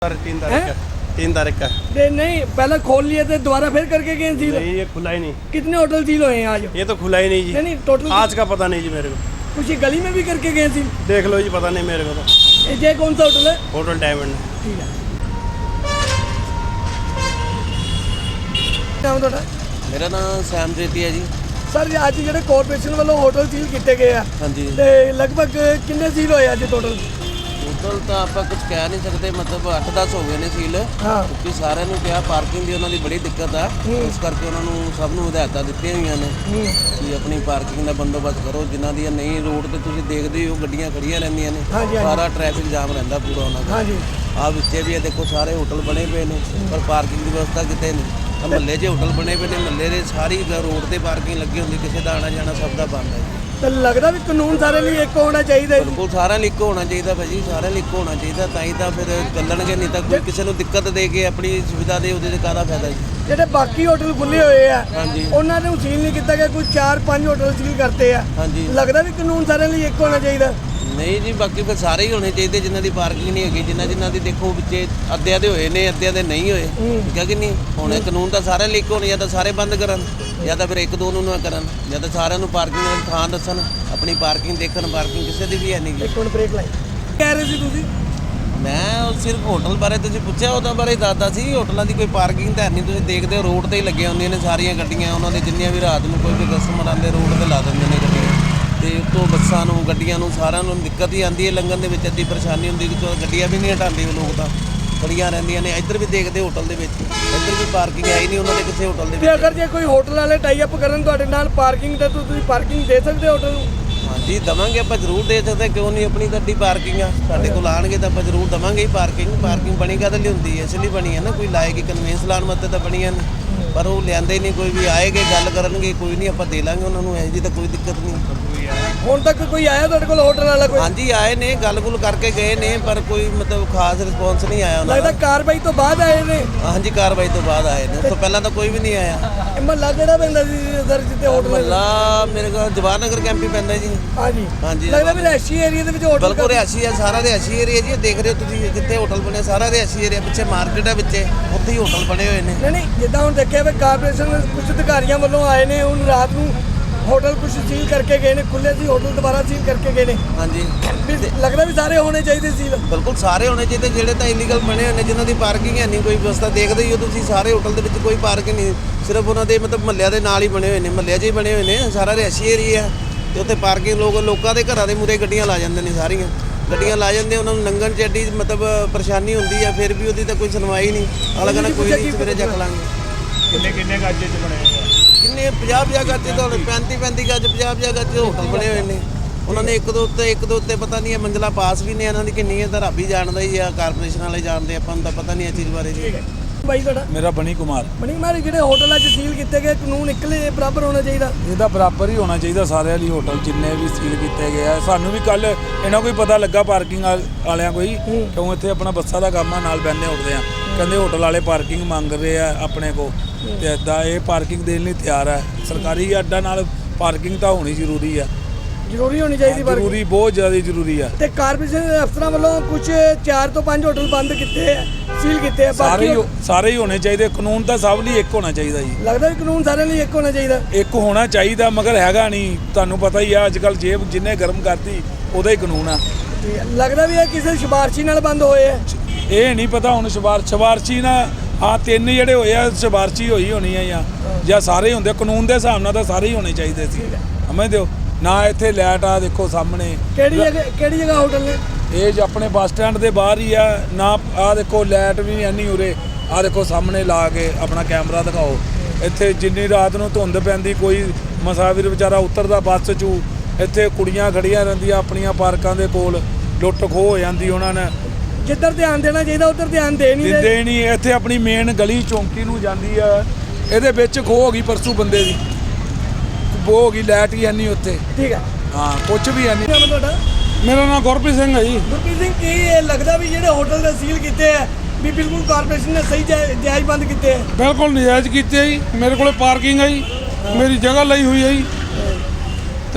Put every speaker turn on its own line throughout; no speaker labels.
तीन तारीख का
नहीं पहले खोल लिए थे दोबारा फिर करके गए सील।
नहीं, ये खुला ही नहीं।
कितने होटल सील हुए हैं आज?
ये तो खुला ही नहीं जी।
नहीं टोटल
आज का पता नहीं जी मेरे को।
कुछ ही गली में भी करके गए सील।
देख लो जी, पता नहीं मेरे को तो।
ये कौन सा होटल है?
होटल डायमंड है।
ठीक है। नाम ਤੁਹਾਡਾ?
मेरा नाम सैम जेती है जी।
सर ਅੱਜ ਜਿਹੜੇ ਕਾਰਪੋਰੇਸ਼ਨ ਵੱਲੋਂ ਹੋਟਲ ਸੀਲ ਕੀਤੇ ਗਏ ਆ
हाँ जी,
ਤੇ ਲਗਭਗ ਕਿੰਨੇ ਸੀਲ ਹੋਏ ਅੱਜ ਟੋਟਲ?
टोटल तो आप कुछ कह नहीं सकते, मतलब 8-10 हो गए ने सील,
हाँ
क्योंकि सारे क्या पार्किंग की उन्होंने बड़ी दिक्कत है। इस करके उन्होंने सब हिदायतां दित्तियां होईयां ने कि अपनी पार्किंग का बंदोबस्त करो। जिन्हां दी नहीं रोड ते तुसीं देखदे हो गड्डियां खड़ियां रहिंदियां ने,
हाँ जी, हाँ जी।
सारा ट्रैफिक जाम रहिंदा पूरा उन्हां दा।
हाँ जी
आ विच्चे भी देखो सारे होटल बने पे ने, पर पार्किंग की व्यवस्था किते नहीं। महल्ले 'च होटल बने पे ने, महल्ले दे सारी रोड ते पार्किंग लगी हुंदी, किसी दा आना जाना सब दा बंद है।
ਤੇ ਲੱਗਦਾ ਵੀ ਕਾਨੂੰਨ ਸਾਰੇ ਲਈ ਇੱਕ ਹੋਣਾ ਚਾਹੀਦਾ ਹੈ।
ਬਿਲਕੁਲ ਸਾਰਿਆਂ ਲਈ ਇੱਕੋ ਹੋਣਾ ਚਾਹੀਦਾ ਭਾਜੀ, ਸਾਰਿਆਂ ਲਈ ਇੱਕੋ ਹੋਣਾ ਚਾਹੀਦਾ, ਤਾਂ ਹੀ ਤਾਂ ਫਿਰ ਚੱਲਣਗੇ। ਨਹੀਂ ਤਾਂ ਕੋਈ ਕਿਸੇ ਨੂੰ ਦਿੱਕਤ ਦੇ ਕੇ ਆਪਣੀ ਸੁਵਿਧਾ ਦੇ ਉਹਦੇ ਤੇ ਕਾਹਦਾ ਫਾਇਦਾ ਜੀ।
ਜਿਹੜੇ ਬਾਕੀ ਹੋਟਲ ਖੁੱਲੇ ਹੋਏ ਆ
ਹਾਂਜੀ
ਉਹਨਾਂ ਨੂੰ ਸੀਲ ਨਹੀਂ ਕੀਤਾ ਗਿਆ, ਕੋਈ 4-5 ਹੋਟਲ ਸੀਲ ਕਰਤੇ ਆ।
ਹਾਂਜੀ
ਲੱਗਦਾ ਵੀ ਕਾਨੂੰਨ ਸਾਰਿਆਂ ਲਈ ਇੱਕ ਹੋਣਾ ਚਾਹੀਦਾ।
ਨਹੀਂ ਜੀ, ਬਾਕੀ ਫਿਰ ਸਾਰੇ ਹੀ ਹੋਣੇ ਚਾਹੀਦੇ ਜਿਨ੍ਹਾਂ ਦੀ ਪਾਰਕਿੰਗ ਨਹੀਂ ਹੈਗੀ, ਜਿਨ੍ਹਾਂ ਦੀ ਦੇਖੋ ਵਿੱਚੇ ਅੱਧਿਆਂ ਦੇ ਹੋਏ ਨੇ, ਅੱਧਿਆਂ ਦੇ ਨਹੀਂ ਹੋਏ, ਠੀਕ ਹੈ ਕਿ ਨਹੀਂ। ਹੁਣ ਇਹ ਕਾਨੂੰਨ ਤਾਂ ਸਾਰਿਆਂ ਲਈ ਇੱਕ ਹੋਣੇ, ਜਾਂ ਤਾਂ ਸਾਰੇ ਬੰਦ ਕਰਨ ਜਾਂ ਤਾਂ ਫਿਰ ਇੱਕ ਦੋ ਨੂੰ ਨਾ ਕਰਨ, ਜਾਂ ਤਾਂ ਸਾਰਿਆਂ ਨੂੰ ਪਾਰਕਿੰਗ ਦੀ ਥਾਂ ਦੱਸਣ, ਆਪਣੀ ਪਾਰਕਿੰਗ ਦੇਖਣ। ਪਾਰਕਿੰਗ ਕਿਸੇ ਦੀ ਵੀ ਹੈ ਨਹੀਂ ਗੀ।
ਇੱਕ ਮਿੰਟ ਬ੍ਰੇਕ ਲਾਈ। ਕਹਿ ਰਹੇ ਸੀ ਤੁਸੀਂ?
ਮੈਂ ਉਹ ਸਿਰਫ ਹੋਟਲ ਬਾਰੇ ਤੁਸੀਂ ਪੁੱਛਿਆ, ਉਹਦਾ ਬਾਰੇ ਦੱਸਦਾ ਸੀ। ਹੋਟਲਾਂ ਦੀ ਕੋਈ ਪਾਰਕਿੰਗ ਤਾਂ ਹੈ ਨਹੀਂ, ਤੁਸੀਂ ਦੇਖਦੇ ਹੋ ਰੋਡ ਤੇ ਹੀ ਲੱਗੀਆਂ ਹੁੰਦੀਆਂ ਨੇ ਸਾਰੀਆਂ ਗੱਡੀਆਂ। ਉਹਨਾਂ ਦੇ ਜਿੰਨੀਆਂ ਵੀ ਰਾਤ ਨੂੰ ਕੋਈ ਵੀ ਕਸਟਮਰ ਆਉਂਦੇ ਰੋਡ ਤੇ ਲਾ ਦਿੰਦੇ ਨੇ ਗੱਡੀਆਂ, ਤੇ ਉੱਤੋਂ ਬੱਸਾਂ ਨੂੰ ਗੱਡੀਆਂ ਨੂੰ ਸਾਰਿਆਂ ਨੂੰ ਦਿੱਕਤ ਹੀ ਆਉਂਦੀ ਹੈ। ਲੰਘਣ ਦੇ ਵਿੱਚ ਅੱਧੀ ਪਰੇਸ਼ਾਨੀ ਹੁੰਦੀ ਕਿ ਗੱਡੀਆਂ ਵੀ ਨਹੀਂ ਹਟਾਉਂਦੇ ਉਹ ਲੋਕ, ਤਾਂ ਖੜੀਆਂ ਰਹਿੰਦੀਆਂ ਨੇ। ਇੱਧਰ ਵੀ ਦੇਖਦੇ ਹੋਟਲ ਦੇ ਵਿੱਚ, ਇੱਧਰ ਵੀ ਪਾਰਕਿੰਗ ਹੈ ਹੀ ਨਹੀਂ ਉਹਨਾਂ ਦੇ ਕਿਸੇ ਹੋਟਲ ਦੇ
ਤੇ
ਵਿੱਚ।
ਅਗਰ ਜੇ ਕੋਈ ਹੋਟਲ ਵਾਲੇ ਟਾਈ ਅਪ ਕਰਨ ਤੁਹਾਡੇ ਨਾਲ ਪਾਰਕਿੰਗ ਦਾ, ਤਾਂ ਤੁਸੀਂ ਪਾਰਕਿੰਗ ਦੇ ਸਕਦੇ ਹੋ ਹੋਟਲ ਨੂੰ?
ਹਾਂਜੀ ਦਵਾਂਗੇ, ਆਪਾਂ ਜ਼ਰੂਰ ਦੇ ਸਕਦੇ, ਕਿਉਂ ਨਹੀਂ। ਆਪਣੀ ਗੱਡੀ ਪਾਰਕਿੰਗ ਆ, ਸਾਡੇ ਕੋਲ ਆਣਗੇ ਤਾਂ ਆਪਾਂ ਜ਼ਰੂਰ ਦਵਾਂਗੇ ਹੀ ਪਾਰਕਿੰਗ। ਪਾਰਕਿੰਗ ਬਣੀ ਕਾਹਦੇ ਲਈ ਹੁੰਦੀ ਹੈ? ਇਸ ਲਈ ਬਣੀ ਹੈ ਨਾ, ਕੋਈ ਲਾਏਗੀ ਕਨਵੀਨਸ ਲਾਉਣ ਵਾਸਤੇ ਤਾਂ ਬਣੀਆਂ ਨੇ, ਪਰ ਉਹ ਲਿਆਂਦੇ ਨਹੀਂ। ਕੋਈ ਵੀ ਆਏਗੇ ਗੱਲ ਕਰਨਗੇ, ਕੋਈ ਨਹੀਂ ਆਪਾਂ ਦੇ ਲਾਂਗੇ ਉਹਨਾਂ ਨੂੰ, ਇਹੋ ਜਿਹੀ ਤਾਂ ਕੋਈ ਦਿੱਕਤ ਨਹੀਂ।
ਹੁਣ ਤੱਕ ਕੋਈ ਆਇਆ ਤੁਹਾਡੇ ਕੋਲ ਹੋਟਲ ਵਾਲਾ ਕੋਈ?
ਹਾਂਜੀ ਆਏ ਨੇ, ਗੱਲ-ਗੁੱਲ ਕਰਕੇ ਗਏ ਨੇ, ਪਰ ਕੋਈ ਮਤਲਬ ਖਾਸ ਰਿਸਪੌਂਸ ਨਹੀਂ ਆਇਆ ਉਹਨਾਂ
ਲੱਗਦਾ
ਦਾ।
ਕਾਰਵਾਈ ਤੋਂ ਬਾਅਦ ਆਏ ਨੇ।
ਹਾਂਜੀ ਕਾਰਵਾਈ ਤੋਂ ਬਾਅਦ ਆਏ ਨੇ, ਉਸ ਤੋਂ ਪਹਿਲਾਂ ਤਾਂ ਕੋਈ ਵੀ ਨਹੀਂ ਆਇਆ।
ਇਹ ਮਹੱਲਾ ਕਿਹੜਾ ਪੈਂਦਾ ਸੀ ਸਰ ਜਿੱਥੇ ਹੋਟਲ?
ਮਹੱਲਾ ਮੇਰੇ ਕੋਲ ਜਵਾਹਰ ਨਗਰ ਕੈਂਪ ਹੀ ਪੈਂਦਾ ਜੀ।
ਹਾਂਜੀ
ਹਾਂਜੀ
ਲੱਗਦਾ ਵੀ ਰਿਹਾਇਸ਼ੀ ਏਰੀਆ ਦੇ ਵਿੱਚ ਹੋਟਲ
ਬਿਲਕੁਲ ਰਿਹਾਇਸ਼ੀ ਆ, ਸਾਰਾ ਰਿਹਾਇਸ਼ੀ ਏਰੀਆ ਜੀ। ਦੇਖ ਰਹੇ ਹੋ ਤੁਸੀਂ ਜਿੱਥੇ ਹੋਟਲ ਬਣੇ, ਸਾਰਾ ਰਿਹਾਇਸ਼ੀ ਏਰੀਆ। ਪਿੱਛੇ ਮਾਰਕੀਟ ਹੈ, ਵਿੱਚੇ ਉੱਥੇ ਹੀ ਹੋਟਲ ਬਣੇ ਹੋਏ ਨੇ।
ਨਹੀਂ ਜਿੱਦਾਂ ਹੁਣ ਦੇਖਿਆ ਵੀ ਕਾਰਪੋਰੇਸ਼ਨ ਕੁਝ ਅਧਿਕਾਰੀਆਂ ਵੱਲੋਂ ਆਏ ਨੇ, ਹੁਣ ਰਾਤ ਨੂੰ ਹੋਟਲ ਕੁਝ ਸੀਲ ਕਰਕੇ ਗਏ ਨੇ, ਖੁੱਲੇ ਸੀ ਹੋਟਲ ਦੁਬਾਰਾ ਸੀਲ ਕਰਕੇ ਗਏ ਨੇ।
ਹਾਂਜੀ
ਵੀ ਲੱਗਦਾ ਵੀ ਸਾਰੇ ਹੋਣੇ ਚਾਹੀਦੇ ਸੀਲ।
ਬਿਲਕੁਲ ਸਾਰੇ ਹੋਣੇ ਚਾਹੀਦੇ, ਜਿਹੜੇ ਤਾਂ ਇਲੀਗਲ ਬਣੇ ਹੋਏ ਨੇ, ਜਿਨ੍ਹਾਂ ਦੀ ਪਾਰਕਿੰਗ ਹੈ ਨਹੀਂ ਕੋਈ ਵਿਵਸਥਾ। ਦੇਖਦੇ ਹੀ ਹੋ ਤੁਸੀਂ, ਸਾਰੇ ਹੋਟਲ ਦੇ ਵਿੱਚ ਕੋਈ ਪਾਰਕਿੰਗ ਨਹੀਂ, ਸਿਰਫ ਉਹਨਾਂ ਦੇ ਮਤਲਬ ਮਹੱਲਿਆਂ ਦੇ ਨਾਲ ਹੀ ਬਣੇ ਹੋਏ ਨੇ, ਮਹੱਲਿਆਂ 'ਚ ਹੀ ਬਣੇ ਹੋਏ ਨੇ। ਸਾਰਾ ਰਿਹਾਇਸ਼ੀ ਏਰੀਆ ਤੇ ਉੱਥੇ ਪਾਰਕਿੰਗ ਲੋਕਾਂ ਦੇ ਘਰਾਂ ਦੇ ਮੂਹਰੇ ਗੱਡੀਆਂ ਲਾ ਜਾਂਦੇ ਨੇ, ਸਾਰੀਆਂ ਗੱਡੀਆਂ ਲਾ ਜਾਂਦੇ। ਉਹਨਾਂ ਨੂੰ ਲੰਘਣ 'ਚ ਐਡੀ ਮਤਲਬ ਪਰੇਸ਼ਾਨੀ ਹੁੰਦੀ ਹੈ, ਫਿਰ ਵੀ ਉਹਦੀ ਤਾਂ ਕੋਈ ਸੁਣਵਾਈ ਨਹੀਂ। ਅਗਲਾ ਕਹਿੰਦਾ ਕੋਈ ਨਹੀਂ, ਸਵੇਰੇ ਚੱਕ ਲਾਂਗੇ।
किन्ने गाजे च बने हुए हैं?
ਕਿੰਨੇ 50 ਗੱਜ ਤੋਂ 35 ਗੱਜ 50 ਗੱਜ ਹੋਟਲ ਬਣੇ ਹੋਏ ਨੇ। ਉਹਨਾਂ ਨੇ ਇੱਕ ਦੋ ਉੱਤੇ ਪਤਾ ਨਹੀਂ ਹੈ ਮੰਜ਼ਲਾ ਪਾਸ ਵੀ ਨੇ ਇਹਨਾਂ ਦੀ ਕਿੰਨੀ ਹੈ, ਤਾਂ ਰੱਬ ਹੀ ਜਾਣਦਾ ਹੀ ਆ, ਕਾਰਪੋਰੇਸ਼ਨ ਵਾਲੇ ਜਾਣਦੇ, ਆਪਾਂ ਨੂੰ ਤਾਂ ਪਤਾ ਨਹੀਂ ਇਹ ਚੀਜ਼ ਬਾਰੇ ਜੀ।
ਬਾਈ ਤੁਹਾਡਾ?
ਮੇਰਾ ਬਣੀ ਕੁਮਾਰ।
ਬਣੀ ਕੁਮਾਰ, ਜਿਹੜੇ ਹੋਟਲਾਂ 'ਚ ਸੀਲ ਕੀਤੇ ਗਏ ਕਾਨੂੰਨ ਇਕੱਲੇ ਬਰਾਬਰ ਹੋਣਾ ਚਾਹੀਦਾ?
ਇਹਦਾ ਬਰਾਬਰ ਹੀ ਹੋਣਾ ਚਾਹੀਦਾ ਸਾਰਿਆਂ ਲਈ। ਹੋਟਲ ਜਿੰਨੇ ਵੀ ਸੀਲ ਕੀਤੇ ਗਏ ਆ, ਸਾਨੂੰ ਵੀ ਕੱਲ ਇਹਨਾਂ ਕੋਈ ਪਤਾ ਲੱਗਾ ਪਾਰਕਿੰਗ ਵਾਲਿਆਂ ਕੋਈ, ਕਿਉਂ ਇੱਥੇ ਆਪਣਾ ਬੱਸਾਂ ਦਾ ਕੰਮ ਆ, ਨਾਲ ਬੈਠੇ ਉੱਠਦੇ ਆ, ਕਹਿੰਦੇ ਹੋਟਲ ਵਾਲੇ ਪਾਰਕਿੰਗ ਮੰਗ ਰਹੇ ਆ ਆਪਣੇ ਕੋ, ਤੇ ਇੱਦਾਂ ਇਹ ਪਾਰਕਿੰਗ ਦੇਣ ਲਈ ਤਿਆਰ ਹੈ। ਸਰਕਾਰੀ ਅੱਡਾ ਨਾਲ ਪਾਰਕਿੰਗ ਤਾਂ ਹੋਣੀ ਜ਼ਰੂਰੀ ਆ,
ਜ਼ਰੂਰੀ ਹੋਣੀ ਚਾਹੀਦੀ ਪਰ
ਜ਼ਰੂਰੀ, ਬਹੁਤ ਜ਼ਿਆਦਾ ਜ਼ਰੂਰੀ ਆ।
ਤੇ ਕਾਰਪੋਰੇਸ਼ਨ ਦੇ ਅਫਸਰਾਂ ਵੱਲੋਂ ਕੁਝ 4 ਤੋਂ 5 ਹੋਟਲ ਬੰਦ ਕੀਤੇ ਆ, ਸੀਲ ਕੀਤੇ ਆ।
ਸਾਰੇ ਹੀ ਹੋਣੇ ਚਾਹੀਦੇ। ਕਾਨੂੰਨ ਤਾਂ ਸਭ ਲਈ ਇੱਕ ਹੋਣਾ ਚਾਹੀਦਾ ਜੀ।
ਲੱਗਦਾ ਵੀ ਕਾਨੂੰਨ ਸਾਰਿਆਂ ਲਈ ਇੱਕ ਹੋਣਾ ਚਾਹੀਦਾ?
ਇੱਕ ਹੋਣਾ ਚਾਹੀਦਾ, ਮਗਰ ਹੈਗਾ ਨਹੀਂ। ਤੁਹਾਨੂੰ ਪਤਾ ਹੀ ਆ ਅੱਜ ਕੱਲ੍ਹ ਜੇਬ ਜਿੰਨੇ ਗਰਮ ਕਰਤੀ ਉਹਦਾ ਹੀ ਕਾਨੂੰਨ ਆ।
ਲੱਗਦਾ ਵੀ ਇਹ ਕਿਸੇ ਸਿਫਾਰਸ਼ੀ ਨਾਲ ਬੰਦ ਹੋਏ ਆ?
ਇਹ ਨਹੀਂ ਪਤਾ ਹੁਣ ਸਿਫਾਰਸ਼ੀ ਨਾਲ ਆ, 3 ਜਿਹੜੇ ਹੋਏ ਆ ਸਿਫਾਰਸ਼ੀ ਹੋਈ ਹੋਣੀ ਆ, ਜਾਂ ਸਾਰੇ ਹੁੰਦੇ। ਕਾਨੂੰਨ ਦੇ ਹਿਸਾਬ ਨਾਲ ਤਾਂ ਸਾਰੇ ਹੀ ਹੋਣੇ ਚਾਹੀਦੇ ਸੀ, ਸਮਝਦੇ ਹੋ ਨਾ। ਇੱਥੇ ਲਾਈਟ ਆ ਦੇਖੋ ਸਾਹਮਣੇ,
ਕਿਹੜੀ ਜਗ੍ਹਾ ਹੋਟਲ ਨੇ?
ਇਹ ਆਪਣੇ ਬੱਸ ਸਟੈਂਡ ਦੇ ਬਾਹਰ ਹੀ ਆ ਨਾ। ਆ ਦੇਖੋ ਲਾਈਟ ਵੀ ਐਨੀ ਉਰੇ, ਆ ਦੇਖੋ ਸਾਹਮਣੇ ਲਾ ਕੇ ਆਪਣਾ ਕੈਮਰਾ ਦਿਖਾਓ। ਇੱਥੇ ਜਿੰਨੀ ਰਾਤ ਨੂੰ ਧੁੰਦ ਪੈਂਦੀ, ਕੋਈ ਮੁਸਾਫਿਰ ਵਿਚਾਰਾ ਉਤਰਦਾ ਬੱਸ 'ਚੋਂ, ਇੱਥੇ ਕੁੜੀਆਂ ਖੜੀਆਂ ਰਹਿੰਦੀਆਂ ਆਪਣੀਆਂ ਪਾਰਕਾਂ ਦੇ ਕੋਲ, ਲੁੱਟ ਖੋਹ ਹੋ ਜਾਂਦੀ। ਉਹਨਾਂ ਨੇ
ਜਿੱਧਰ ਧਿਆਨ ਦੇਣਾ ਚਾਹੀਦਾ ਉੱਧਰ ਧਿਆਨ ਦੇ ਨਹੀਂ ਰਹੇ।
ਦਿੰਦੇ ਨਹੀਂ। ਇੱਥੇ ਆਪਣੀ ਮੇਨ ਗਲੀ ਚੌਂਕੀ ਨੂੰ ਜਾਂਦੀ ਆ, ਇਹਦੇ ਵਿੱਚ ਖੋਹ ਹੋ ਗਈ ਪਰਸੋਂ ਬੰਦੇ ਦੀ, ਹੋ ਗਈ, ਲਾਈਟ ਹੀ ਨਹੀਂ ਉੱਥੇ।
ਠੀਕ ਹੈ,
ਹਾਂ ਕੁਝ ਵੀ ਨਹੀਂ।
ਨਾਮ ਤੁਹਾਡਾ?
ਮੇਰਾ ਨਾਮ ਗੁਰਪ੍ਰੀਤ ਸਿੰਘ ਹੈ ਜੀ।
ਗੁਰਪ੍ਰੀਤ ਸਿੰਘ, ਕੀ ਇਹ ਲੱਗਦਾ ਵੀ ਜਿਹੜੇ ਹੋਟਲ ਦੇ ਸੀਲ ਕੀਤੇ ਆ ਵੀ ਬਿਲਕੁਲ ਕਾਰਪੋਰੇਸ਼ਨ ਨੇ ਸਹੀ ਜਾਇਜ਼ ਬੰਦ ਕੀਤੇ ਆ?
ਬਿਲਕੁਲ ਨਜਾਇਜ਼ ਕੀਤੇ ਜੀ। ਮੇਰੇ ਕੋਲੇ ਪਾਰਕਿੰਗ ਹੈ ਜੀ, ਮੇਰੀ ਜਗ੍ਹਾ ਲਈ ਹੋਈ ਹੈ ਜੀ।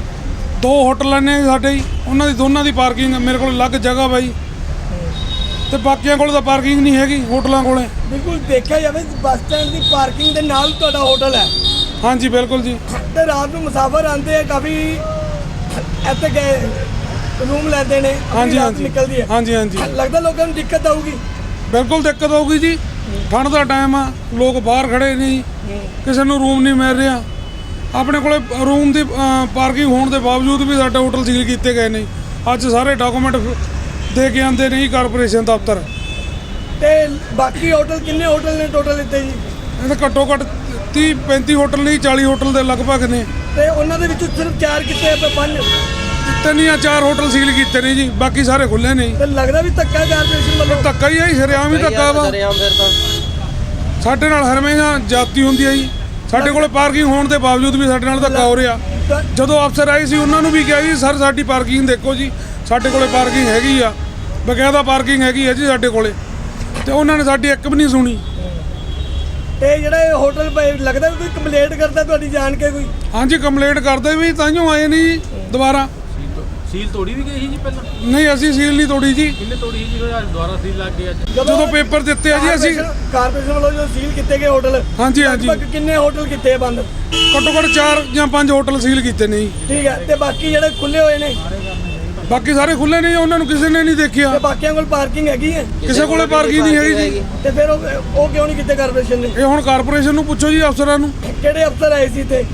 2 ਹੋਟਲ ਨੇ ਸਾਡੇ ਜੀ, ਉਹਨਾਂ ਦੀ ਦੋਨਾਂ ਦੀ ਪਾਰਕਿੰਗ ਮੇਰੇ ਕੋਲ ਅਲੱਗ ਜਗ੍ਹਾ ਵਾ ਜੀ। ਤੇ ਬਾਕੀਆਂ ਕੋਲ ਤਾਂ ਪਾਰਕਿੰਗ ਨਹੀਂ ਹੈਗੀ ਹੋਟਲਾਂ ਕੋਲੇ।
ਬਿਲਕੁਲ ਦੇਖਿਆ ਜਾਵੇ ਬੱਸ ਸਟੈਂਡ ਦੀ ਪਾਰਕਿੰਗ ਦੇ ਨਾਲ ਤੁਹਾਡਾ ਹੋਟਲ ਹੈ
ਹਾਂਜੀ ਬਿਲਕੁਲ ਜੀ।
ਤੇ ਰਾਤ ਨੂੰ ਮੁਸਾਫਰ ਆਉਂਦੇ ਆ ਕਾਫੀ ਇੱਥੇ ਗਏ ਰੂਮ ਲੈਂਦੇ ਨੇ ਆਪਣੀ
ਹਾਂਜੀ
ਰਾਤ
ਹਾਂਜੀ
ਨਿਕਲਦੀ ਹੈ
ਹਾਂਜੀ ਹਾਂਜੀ
ਲੱਗਦਾ ਲੋਕਾਂ ਨੂੰ ਦਿੱਕਤ ਆਊਗੀ।
ਬਿਲਕੁਲ ਦਿੱਕਤ ਆਊਗੀ ਜੀ। ਠੰਡ ਦਾ ਟਾਈਮ ਆ, ਲੋਕ ਬਾਹਰ ਖੜੇ ਨੇ ਜੀ, ਕਿਸੇ ਨੂੰ ਰੂਮ ਨਹੀਂ ਮਿਲ ਰਿਹਾ। ਆਪਣੇ ਕੋਲੇ ਰੂਮ ਦੀ ਪਾਰਕਿੰਗ ਹੋਣ ਦੇ ਬਾਵਜੂਦ ਵੀ ਸਾਡੇ ਹੋਟਲ ਸੀਲ ਕੀਤੇ ਗਏ ਨੇ। ਅੱਜ ਸਾਰੇ ਡਾਕੂਮੈਂਟ ਦੇ ਕੇ ਆਉਂਦੇ ਨੇ ਜੀ ਕਾਰਪੋਰੇਸ਼ਨ ਦਫ਼ਤਰ।
ਤੇ ਬਾਕੀ ਹੋਟਲ ਕਿੰਨੇ ਹੋਟਲ ਨੇ ਟੋਟਲ ਇੱਥੇ ਜੀ?
ਇਹਦੇ ਘੱਟੋ ਘੱਟ 30-35 ਹੋਟਲ ਨਹੀਂ 40 ਹੋਟਲ ਦੇ ਲਗਭਗ ਨੇ।
ਤੇ ਉਹਨਾਂ ਦੇ ਵਿੱਚੋਂ ਸਿਰਫ 4 ਕਿਤੇ ਆ, 5
3 ਜਾਂ 4 ਹੋਟਲ ਸੀਲ ਕੀਤੇ ਨੇ ਜੀ, ਬਾਕੀ ਸਾਰੇ ਖੁੱਲੇ ਨੇ ਜੀ।
ਤੇ ਲੱਗਦਾ ਵੀ ਧੱਕਾ ਕਾਰਪੋਰੇਸ਼ਨ ਵੱਲੋਂ।
ਧੱਕਾ ਹੀ ਆ ਜੀ, ਸ਼ਰੇਆਮ ਹੀ ਧੱਕਾ ਵਾ। ਸਾਡੇ ਨਾਲ ਹਰਮੇਸ਼ਾ ਜਾਤੀ ਹੁੰਦੀ ਹੈ ਜੀ। ਸਾਡੇ ਕੋਲ ਪਾਰਕਿੰਗ ਹੋਣ ਦੇ ਬਾਵਜੂਦ ਵੀ ਸਾਡੇ ਨਾਲ ਧੱਕਾ ਹੋ ਰਿਹਾ। ਜਦੋਂ ਅਫਸਰ ਆਏ ਸੀ ਉਹਨਾਂ ਨੂੰ ਵੀ ਕਿਹਾ ਜੀ ਸਰ ਸਾਡੀ ਪਾਰਕਿੰਗ ਦੇਖੋ ਜੀ, ਸਾਡੇ ਕੋਲੇ ਪਾਰਕਿੰਗ ਹੈਗੀ ਆ, ਬਕਾਇਦਾ ਪਾਰਕਿੰਗ ਹੈਗੀ ਆ ਜੀ ਸਾਡੇ ਕੋਲੇ, ਤੇ ਉਹਨਾਂ ਨੇ ਸਾਡੀ ਇੱਕ ਵੀ ਨਹੀਂ ਸੁਣੀ।
ਤੇ ਜਿਹੜਾ ਇਹ ਹੋਟਲ ਲੱਗਦਾ ਵੀ ਕੋਈ ਕੰਪਲੇਂਟ ਕਰਦਾ ਤੁਹਾਡੀ ਜਾਣ ਕੇ ਕੋਈ?
ਹਾਂਜੀ ਕੰਪਲੇਂਟ ਕਰਦੇ ਵੀ ਤਾਂਹੀਓ ਆਏ ਨਹੀਂ ਜੀ ਦੁਬਾਰਾ।
ਸੀਲ ਤੋੜੀ ਵੀ ਗਈ ਸੀ ਜੀ ਪਹਿਲਾਂ?
ਨਹੀਂ ਅਸੀਂ ਸੀਲ ਨਹੀਂ ਤੋੜੀ ਜੀ।
ਕਿੰਨੇ ਤੋੜੀ ਸੀ ਜਿਹੜਾ ਦੁਬਾਰਾ ਸੀਲ ਲੱਗ ਗਿਆ ਅੱਜ?
ਜਦੋਂ ਪੇਪਰ ਦਿੱਤੇ ਆ ਜੀ ਅਸੀਂ
ਕਾਰਪੋਰੇਸ਼ਨ ਵੱਲੋਂ ਜੋ ਸੀਲ ਕੀਤੇ ਗਏ ਹੋਟਲ,
ਹਾਂਜੀ ਹਾਂਜੀ
ਲਗਭਗ ਕਿੰਨੇ ਹੋਟਲ ਕੀਤੇ ਆ ਬੰਦ?
ਘੱਟੋ ਘੱਟ 4 ਜਾਂ 5 ਹੋਟਲ ਸੀਲ ਕੀਤੇ ਨੇ ਜੀ।
ਠੀਕ ਹੈ। ਤੇ ਬਾਕੀ ਜਿਹੜੇ ਖੁੱਲੇ ਹੋਏ ਨੇ
ਬਾਕੀ ਸਾਰੇ ਖੁੱਲੇ ਨੇ ਜੀ, ਉਹਨਾਂ ਨੂੰ ਕਿਸੇ ਨੇ ਨਹੀਂ ਦੇਖਿਆ।
ਤੇ ਬਾਕੀਆਂ ਕੋਲ ਪਾਰਕਿੰਗ ਹੈਗੀ ਹੈ?
ਕਿਸੇ ਕੋਲੇ ਪਾਰਕਿੰਗ ਨਹੀਂ ਹੈਗੀ ਜੀ।
ਤੇ ਫਿਰ ਉਹ ਕਿਉਂ ਨਹੀਂ ਕੀਤੇ ਕਾਰਪੋਰੇਸ਼ਨ ਨੇ?
ਇਹ ਹੁਣ ਕਾਰਪੋਰੇਸ਼ਨ ਨੂੰ ਪੁੱਛੋ ਜੀ ਅਫਸਰਾਂ ਨੂੰ।
ਕਿਹੜੇ ਅਫਸਰ ਆਏ ਸੀ ਤੇ?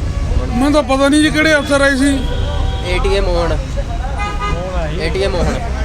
ਮੈਨੂੰ ਤਾਂ ਪਤਾ ਨਹੀਂ ਜੀ ਕਿਹੜੇ ਅਫਸਰ ਆਏ ਸੀ।
ਏਟੀਐਮ ਹੋਣ